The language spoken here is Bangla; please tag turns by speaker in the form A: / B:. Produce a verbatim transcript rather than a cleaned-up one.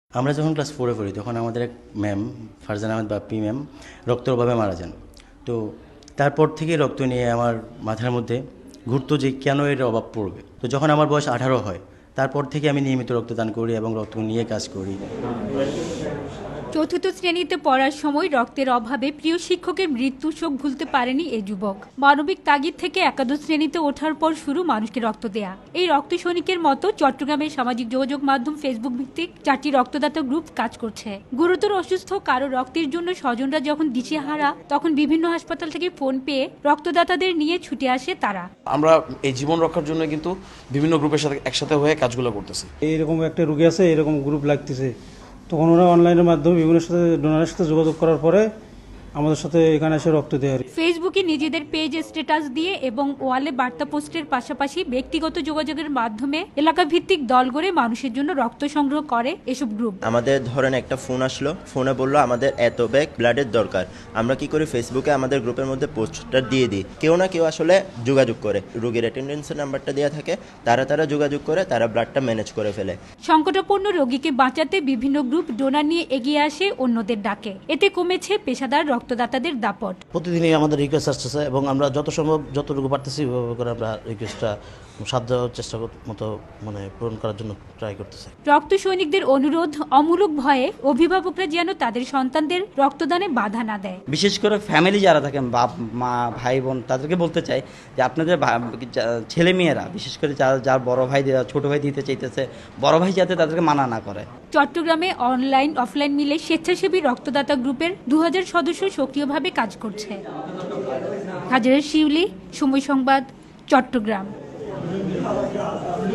A: আমরা যখন ক্লাস ফোরে পড়ি তখন আমাদের এক ম্যাম ফারজানা আহমেদ বাপ্পি ম্যাম রক্তের অভাবে মারা যান। তো তারপর থেকে রক্ত নিয়ে আমার মাথার মধ্যে ঘুরতো যে কেন এর অভাব পড়বে। তো যখন আমার বয়স আঠারো হয় তারপর থেকে আমি নিয়মিত রক্তদান করি এবং রক্ত নিয়ে কাজ করি।
B: চতুর্থ শ্রেণীতে পড়ার সময় রক্তের অভাবে প্রিয় শিক্ষকের মৃত্যু শোক ভুলতে পারেনি এই যুবক। মানবিক তাগিদ থেকে একাদশ শ্রেণীতে ওঠার পর শুরু মানুষকে রক্ত দেয়া। এই রক্ত সৈনিকের মতো চট্টগ্রামের সামাজিক যোগাযোগ মাধ্যম ফেসবুক ভিত্তিক চারটি রক্তদাতা গ্রুপ কাজ করছে। গুরুতর অসুস্থ কারো রক্তের জন্য স্বজনরা যখন দিশেহারা তখন বিভিন্ন হাসপাতাল থেকে ফোন পেয়ে রক্তদাতাদের নিয়ে ছুটে আসে তারা।
C: আমরা এই জীবন রক্ষার জন্য কিন্তু বিভিন্ন গ্রুপের সাথে একসাথে হয়ে কাজগুলো করতেছি।
D: এইরকম একটা রোগী আছে, এরকম গ্রুপ লাগতেছে, তখন ওরা অনলাইনের মাধ্যমে বিভিন্ন সাথে ডোনারের সাথে যোগাযোগ করার পরে আমাদের সাথে এখানে এসে রক্ত দেয়।
B: ফেসবুকে নিজেদের পেজ স্ট্যাটাস দিয়ে এবং ওয়ালে বার্তা পোস্টের পাশাপাশি ব্যক্তিগত যোগাযোগের মাধ্যমে এলাকা ভিত্তিক দল গড়ে মানুষের জন্য রক্ত সংগ্রহ করে এসব গ্রুপ।
E: আমাদের ধরেন একটা ফোন আসলো, ফোনে বললো আমাদের এত ব্যাগ ব্লাডের দরকার। আমরা কি করি, ফেসবুকে আমাদের গ্রুপের মধ্যে পোস্টটা দিয়ে দিই। কেউ না কেউ আসলে যোগাযোগ করে, রোগীর অ্যাটেন্ডেন্সের নাম্বারটা দেওয়া থাকে, তারা তারা যোগাযোগ করে, তারা ব্লাডটা ম্যানেজ করে ফেলে।
B: সংকটাপন্ন রোগীকে বাঁচাতে বিভিন্ন গ্রুপ ডোনার নিয়ে এগিয়ে আসে অন্যদের ডাকে। এতে কমেছে পেশাদার রক্তদাতাদের দাপট।
F: প্রতিদিনই আমাদের রিকোয়েস্ট আসতেছে এবং আমরা যত সম্ভব যতটুকু পারতেছি ওইভাবে করে আমরা রিকোয়েস্টটা সাধ্য চেষ্টা মতো মানে পূরণ করার জন্য ট্রাই করতেছি।
B: রক্ত সৈনিকদের অনুরোধ, অমূলক ভয়ে অভিভাবকরা যেন তাদের সন্তানদের রক্তদানে বাধা না দেয়।
G: বিশেষ করে ফ্যামিলি যারা থাকেন, বাপ মা ভাই বোন, তাদেরকে বলতে চাই যে আপনাদের ছেলে মেয়েরা বিশেষ করে যারা যার বড় ভাই ছোট ভাই দিতে চাইতেছে, বড় ভাই যাতে তাদেরকে মানা না করে।
B: চট্টগ্রামে অনলাইন অফলাইন মিলে স্বেচ্ছাসেবী রক্তদাতা গ্রুপের দু হাজার সদস্য সক্রিয়ভাবে কাজ করছে। হাজারের শিউলি, সময় সংবাদ, চট্টগ্রাম।